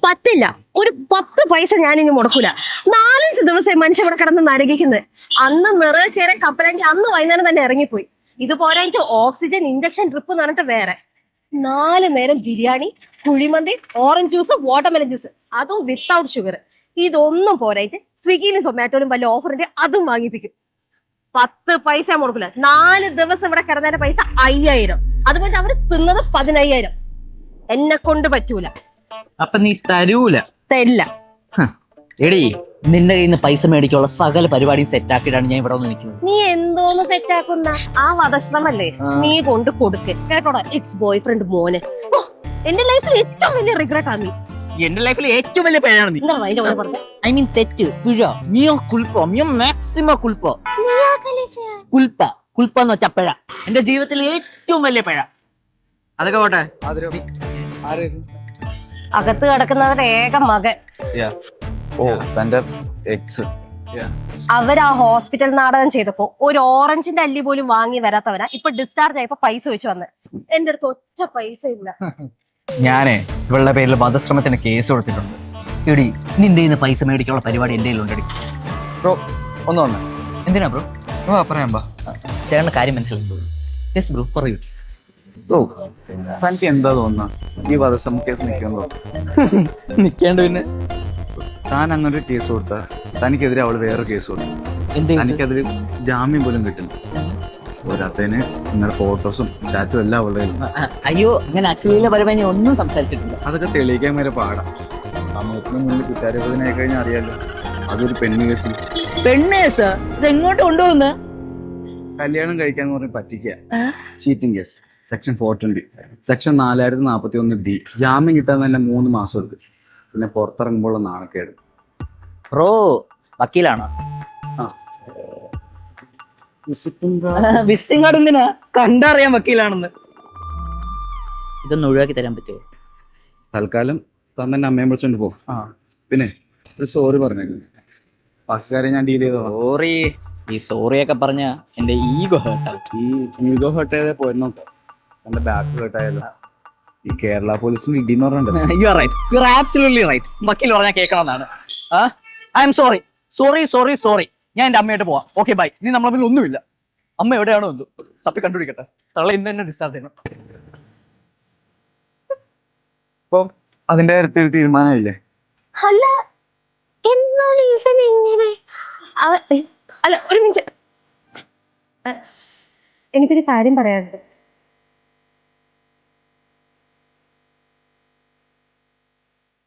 പറ്റില്ല. ഒരു 10 പൈസ ഞാനിനി മുടക്കൂല. 4-5 ദിവസമായി മനുഷ്യ ഇവിടെ കിടന്ന് നരകിക്കുന്നത്. അന്ന് നിറയെ കയറി കപ്പലെങ്കിൽ അന്ന് വൈകുന്നേരം തന്നെ ഇറങ്ങിപ്പോയി. ഇത് പോരായിട്ട് ഓക്സിജൻ ഇഞ്ചക്ഷൻ ട്രിപ്പ് എന്ന് പറഞ്ഞിട്ട് വേറെ 4 നേരം ബിരിയാണി, കുഴിമന്തി, ഓറഞ്ച് ജ്യൂസ്, വാട്ടർമെലൻ ജ്യൂസ്, അതും വിത്തൗട്ട് ഷുഗർ. ഇതൊന്നും പോരായിട്ട് സ്വിഗ്ഗിയിലും സൊമാറ്റോയിലും വല്ല ഓഫറിന്റെ അതും വാങ്ങിപ്പിക്കും. 10 പൈസ മുടക്കില്ല. 4 ദിവസം ഇവിടെ കിടന്നതിന്റെ പൈസ 5000. അതുപോലെ അവര് തിന്നത് 15000. എന്നെ കൊണ്ട് പറ്റൂല. അപ്പൊ നീ തരൂല? തരില്ല. എടീ, നിന്റെ കയ്യിൽ നിന്ന് പൈസ മേടിക്കാനുള്ള സകല പരിപാടിയും സെറ്റ് ആക്കിയിട്ടാണ് ഞാൻ ഇവിടെ നിൽക്കുന്നത്. നീ എന്തോന്ന് സെറ്റ് ആക്കുന്ന ആ വധശ്രമല്ലേ നീ കൊണ്ട് കൊടുക്ക് കേട്ടോടാ. ഇറ്റ്സ് ബോയ് ഫ്രണ്ട് മോന്. എന്റെ ലൈഫിൽ ഏറ്റവും വലിയ റിഗ്രറ്റ് ആണ് നീ. എന്റെ ലൈഫിൽ ഏറ്റവും വലിയ പിഴയാണ് നീ. എന്താ അതിന്റെ മോനെ പറഞ്ഞത്? ഐ മീൻ തെറ്റ്, പിഴ. മിയോ കുൽപ്പോ, മിയോ മാക്സിമം കുൽപ്പോ. കുൽപ്പ, കുൽപ്പ എന്ന് വെച്ചാ പിഴ. എന്റെ ജീവിതത്തിലെ ഏറ്റവും വലിയ പിഴ. അതൊക്കെ പോട്ടെ. അകത്ത് കിടക്കുന്നവരുടെ ഏക മകൻ. ഓ, തന്റെ എക്സ്. അവരാ ഹോസ്പിറ്റൽ നാടകം ചെയ്തപ്പോ ഒരു ഓറഞ്ചിന്റെ അല്ലി പോലും വാങ്ങി വരാത്തവനാ ഇപ്പൊ ഡിസ്ചാർജ് ആയപ്പോ പൈസ വെച്ച് വന്ന്. എന്റെ അടുത്ത് ഒറ്റ പൈസ ഇല്ല. ഞാനേ ഇവളുടെ പേരിൽ വധശ്രമത്തിന് കേസ് കൊടുത്തിട്ടുണ്ട്. എടി, നിന്റെ കയ്യിൽ നിന്ന് പൈസ മേടിക്കാനുള്ള പരിപാടി എന്റെ കയ്യിലുണ്ടെടി. ബ്രോ ഒന്ന് വന്നേ. എന്തിനാ ബ്രോ? പറയാം. ചേട്ടന്റെ കാര്യം മനസ്സിലായി. യെസ് ബ്രോ, പറയൂ. ഓ, തനിക്ക് എന്താ തോന്നുന്ന ഈ വധശ്രമ കേസ് നിൽക്കുന്നുണ്ടോ? നിൽക്കേണ്ട പിന്നെ. താൻ അങ്ങനെ ഒരു കേസ് കൊടുത്താ തനിക്കെതിരെ അവള് വേറൊരു കേസ് കൊടുത്തു. തനിക്കതിൽ ജാമ്യം പോലും കിട്ടുന്നു. പോരാത്തതിന് നിങ്ങളുടെ ഫോട്ടോസും ചാറ്റും എല്ലാം അവളുടെ. അയ്യോ, അങ്ങനെ അഖിലപരമായി ഒന്നും സംസാരിച്ചിട്ടില്ല. അതൊക്കെ തെളിയിക്കാൻ വരെ പാടാം. സമൂഹത്തിന് മുന്നിൽ കുറ്റാരോപണമായി കഴിഞ്ഞാൽ അറിയാലോ. അതൊരു പെണ്ണ് കേസിൽ. പെണ്ണ് കേസ്? ഇത് എങ്ങോട്ട് കൊണ്ടുപോകുന്ന? കല്യാണം കഴിക്കാന്ന് പറഞ്ഞ് പറ്റിക്കുക. Cheating case, section 420, section 4041D. ജാമ്യം കിട്ടാൻ തന്നെ 3 മാസം എടുക്കും. പിന്നെ പുറത്തിറങ്ങുമ്പോൾ നാണക്കേട്. ബ്രോ വക്കീലാണോ? വിസിറ്റിംഗ് കാർഡ് എന്തിനാ? കണ്ടറിയാൻ വക്കീലാണെന്ന്. ഇതൊന്ന് ഒഴിവാക്കി തരാൻ പറ്റുമോ? തൽക്കാലം താൻ തന്നെ അമ്മയെ വിളിച്ചോണ്ട് പോ. പിന്നെ ഒരു സോറി പറഞ്ഞേക്കും. പക്കാരെ ഞാൻ ഡീൽ ചെയ്തോ. സോറി. ഈ സോറിയൊക്കെ പറഞ്ഞ എന്റെ ഈഗോ ഹേർട്ടാവും. ഈ ഈഗോ ഹേർട്ട് ചെയ്തേ പോയിരുന്നോ? എന്റെ ബാക്ക് ഹേർട്ടായല്ലോ. ഈ കേരള പോലീസിന് ഇടിന്ന് പറഞ്ഞിട്ടുണ്ട്. You are right, you are absolutely right. വക്കീൽ പറഞ്ഞാൽ കേൾക്കണമെന്നാണ്. I'm sorry, sorry sorry sorry. ഞാൻ എന്റെ അമ്മയായിട്ട് പോവാം. Okay bye. ഇനി നമ്മളെ മുന്നിൽ ഒന്നുമില്ല. അമ്മ എവിടെയാണോ എന്തോ തപ്പി കണ്ടുപിടിക്കട്ടെ. തള്ള ഇന്ന് തന്നെ ഡിസ്ചാർജ് ചെയ്യണം. അപ്പൊ അതിന്റെ കാര്യത്തിൽ തീരുമാനമില്ലേ? അല്ല, എന്നാലും ഇവൻ എങ്ങനെ? അല്ല, ഒരു മിനിറ്റ്, എനിക്കൊരു കാര്യം പറയാനുണ്ട്.